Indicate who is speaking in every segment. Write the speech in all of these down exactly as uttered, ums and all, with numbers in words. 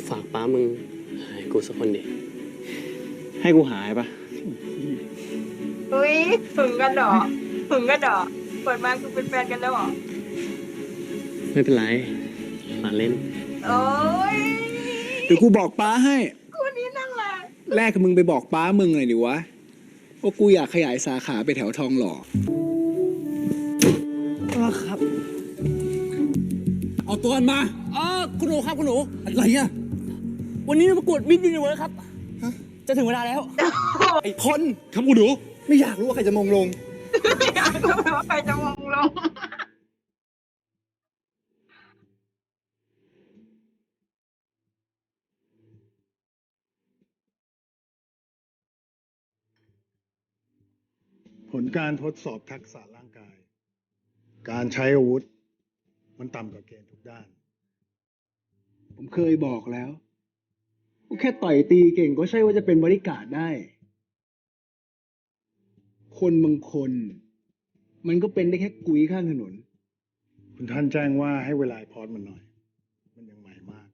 Speaker 1: ฝากป้ามึงให้กูสักคนดิ
Speaker 2: ให้กูหายปะ
Speaker 3: อุ้ยหึงกันเหรอหึงกันเหรอเปิดมาคือเป็นแฟนกันแล้วเหรอ
Speaker 1: ไม่เป็นไรมาเล่น
Speaker 3: โอ้ย
Speaker 4: เดี๋ยวกูบอกป้าให้
Speaker 3: คู่นี้นั่งแหละ
Speaker 4: แรกมึงไปบอกป้ามึงหน่อยดิวะว่ากูอยากขยายสาขาไปแถวทองหล่อ
Speaker 2: ครับ
Speaker 4: เอาตัวมันมา
Speaker 2: อ๋อคุณหนูครับคุณหนู
Speaker 4: อะไรอ่ะ
Speaker 2: วันนี้ประกวดมิสยูนิเวิร์สครับ จะถึงเวลาแล้ว
Speaker 4: ไอ้พล
Speaker 2: ครับคุณหนู
Speaker 4: ไม่อยากรู้ว่าใครจะมงลง
Speaker 3: อยากรู้ว่าใครจะมองลง
Speaker 5: ผลการทดสอบทักษะร่างกาย การใช้อาวุธ มันต่ำกว่าเกณฑ์ทุกด้าน
Speaker 4: ผมเคยบอกแล้วว่าแค่ต่อยตีเก่งก็ใช่ว่าจะเป็นบริการดได้ คนบางคน มันก็เป็นได้แค่กุ้ยข้างถนน
Speaker 5: คุณท่านแจ้งว่าให้เวลาพอดมันหน่อย มันยังใหม่มาก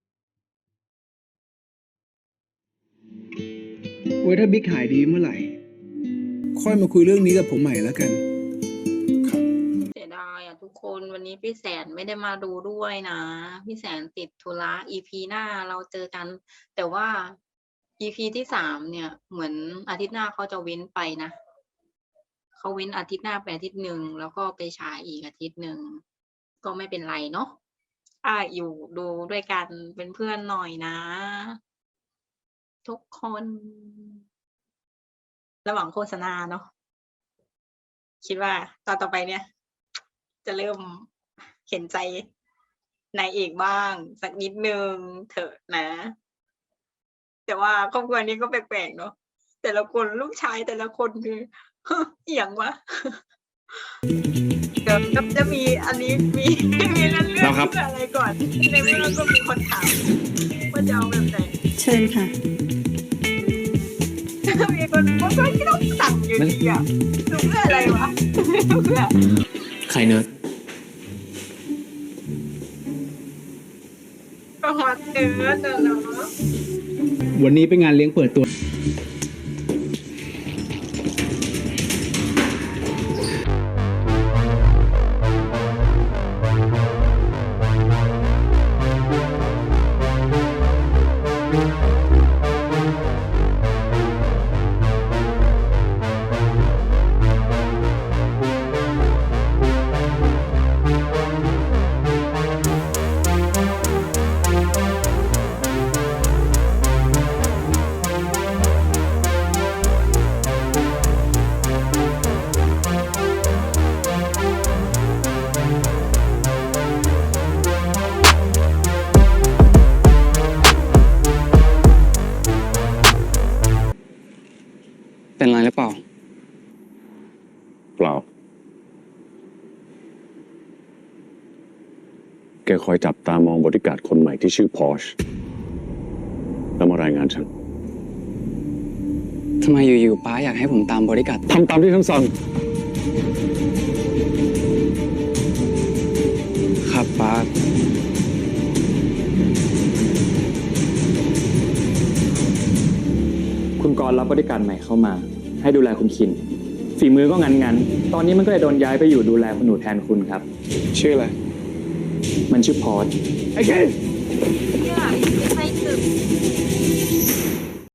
Speaker 4: ไว้ถ้าบิ๊กหายดีเมื่อไหร่ ค่อยมาคุยเรื่องนี้กับผมใหม่แล้วกัน
Speaker 3: เสียดายอ่ะทุกคนวันนี้พี่แสนไม่ได้มาดูด้วยนะพี่แสนติดธุระ อี พี หน้าเราเจอกัน แต่ว่า อี พี ที่สามเนี่ยเหมือนอาทิตย์หน้าเขาจะเว้นไปนะเขาเว้นอาทิตย์หน้าไปอาทิตย์หนึ่งแล้วก็ไปฉายอีกอาทิตย์หนึ่งก็ไม่เป็นไรเนาะอ่ะอยู่ดูด้วยกันเป็นเพื่อนหน่อยนะ ทุกคน ระหว่างโฆษณาเนาะคิดว่าตอนต่อไปเนี่ย จะเริ่มเห็นใจนายเอกบ้าง สักนิดนึงเถอะนะ แต่ว่าครอบครัวนี้ก็แปลกๆเนาะแต่ละคนลูกชายแต่ละคนคือ เอียงวะ เดี๋ยวจะจะมีอันนี้มี มีเรื่องเรื่องเพื่ออะไรก่อนในเรื่องก็มีคนถามว่าจะเอาแบบไหน
Speaker 6: เชิญค่ะ
Speaker 3: มีคนว่าก็ต้องสั่งอยู่ดีอ่ะดูเพื่ออะไรวะ เพื่อ
Speaker 1: ใครเนิร์ด
Speaker 3: ก็ฮอตเนื้อเนาะ
Speaker 4: วันนี้เป็นงานเลี้ยงเปิดตัวเป็นไรหรือเปล่า
Speaker 7: เปล่า แกคอยจับตามองบริการดคนใหม่ที่ชื่อพอชแล้วมารายงานฉัน
Speaker 8: ทำไมอยู่ๆป้าอยากให้ผมตามบริการด
Speaker 7: ทำตามที่ฉันสั่ง
Speaker 8: ครับป้า
Speaker 2: คุณกรณ์รับบริการใหม่เข้ามา ให้ดูแลคุณคิน ฝีมือก็งั้นๆ ตอนนี้มันก็เลยโดนย้ายไปอยู่ดูแลคุณหนูแทนคุณครับ
Speaker 8: ชื่ออะไร
Speaker 2: มันชื่อพอด
Speaker 4: ไอ้เก